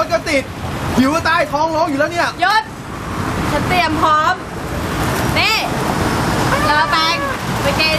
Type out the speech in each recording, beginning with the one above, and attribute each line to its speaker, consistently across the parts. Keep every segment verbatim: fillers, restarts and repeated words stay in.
Speaker 1: ถก็ติดหิวก็ตายท้องร้องอยู่แล้วเนี่ย
Speaker 2: ยศฉันเตรียมพร้อมนี่เลอแปงไปกิน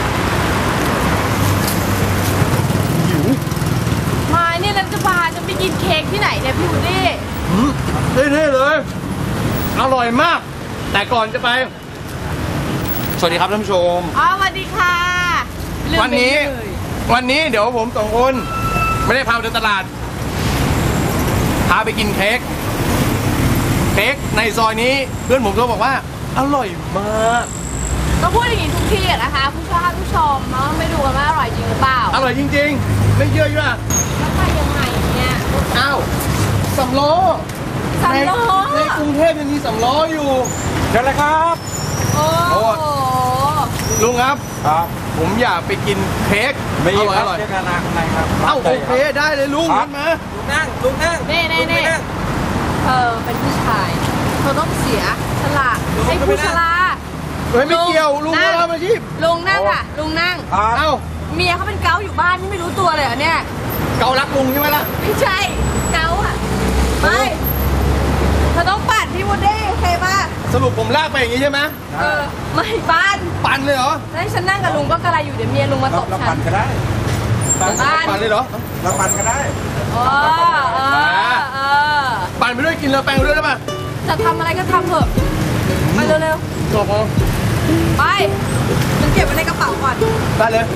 Speaker 1: หิว
Speaker 2: มาเนี่ยรัฐบาลจะไปกินเค้กที่ไหนเนี่ยพี่วูดดี้
Speaker 1: เท่ๆเลยอร่อยมากแต่ก่อนจะไปสวัสดีครับท่านผู้ชม
Speaker 2: อ๋อสวัสดีค่ะ
Speaker 1: วันนี้วันนี้เดี๋ยวผมสองคนไม่ได้พาไปเดินตลาดพาไปกินเค้กเค้กในซอยนี้เพื่อนผมก็บอกว่าอร่อยมาก
Speaker 2: ก็พูดอย่างนี้ทุกที่อะนะคะผู้ชมผู้ชมเนาะไม่ดูกันว่าอร่อยจริงหรือเปล่า
Speaker 1: อร่อยจริงๆไม่เยอะอยู่อะ
Speaker 2: แล้วไปยังไงเนี่ย
Speaker 1: อ้าวสำล้อ
Speaker 2: สำล้อ
Speaker 1: ในกรุงเทพยังมีสำล้ออยู่เชิญเลยครับ
Speaker 2: โอ้โห
Speaker 1: ลุงครับครับผมอยากไปกินเค้ก
Speaker 3: ไม่อร่อย
Speaker 1: อร่อย
Speaker 3: เค้กกันนะไหนครับ
Speaker 1: เอ้าโอเคได้เลยลุงขึ้นมา
Speaker 3: ลุงนั่งลุงนั่ง
Speaker 2: นี่นี่นี่เธอเป็นผู้ชายเธอต้องเสียฉลาดให้ผู้ชรา
Speaker 1: เฮ้ยไม่เกี่ยวลุงมาทำอาชีพ
Speaker 2: ลุงนั่งค่ะลุงนั่ง
Speaker 1: เอ้า
Speaker 2: เมียเขาเป็นเกาอยู่บ้านนี่ไม่รู้ตัวเลยเหรอเนี่ย
Speaker 1: เการักลุงใช่ไหมล่ะ
Speaker 2: ไม่ใช่เกาอ่ะไม่เธอต้องปั่นพี่วูดดี้โอเคป่ะ
Speaker 1: สรุปผมลากไปอย่างนี้ใช่ไหม
Speaker 2: เออไม่ปั่น
Speaker 1: ปั่นเลยเหรอ
Speaker 2: ให้ฉันนั่งกับลุงก็กระไรอยู่เดี๋ยวเมียลุงมาตบฉัน
Speaker 3: ปั่นก็ได้
Speaker 1: ปั่นเลยเหรอ
Speaker 3: เราปั่นก็ได้
Speaker 2: เออเออเออ
Speaker 1: ปั่นไปด้วยกินเลอแปงไปด้วยได้ป่ะ
Speaker 2: จะทำอะไรก็ทำเถอะไปเร็ว
Speaker 1: ๆจบพอ
Speaker 2: ไปฉันเก็บไว้ในกระเป๋าก่อน
Speaker 1: ได้เลย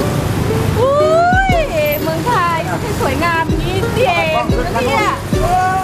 Speaker 2: อุ้ยเมืองไทยไม่สวยงามนี้เองนะเนี่ย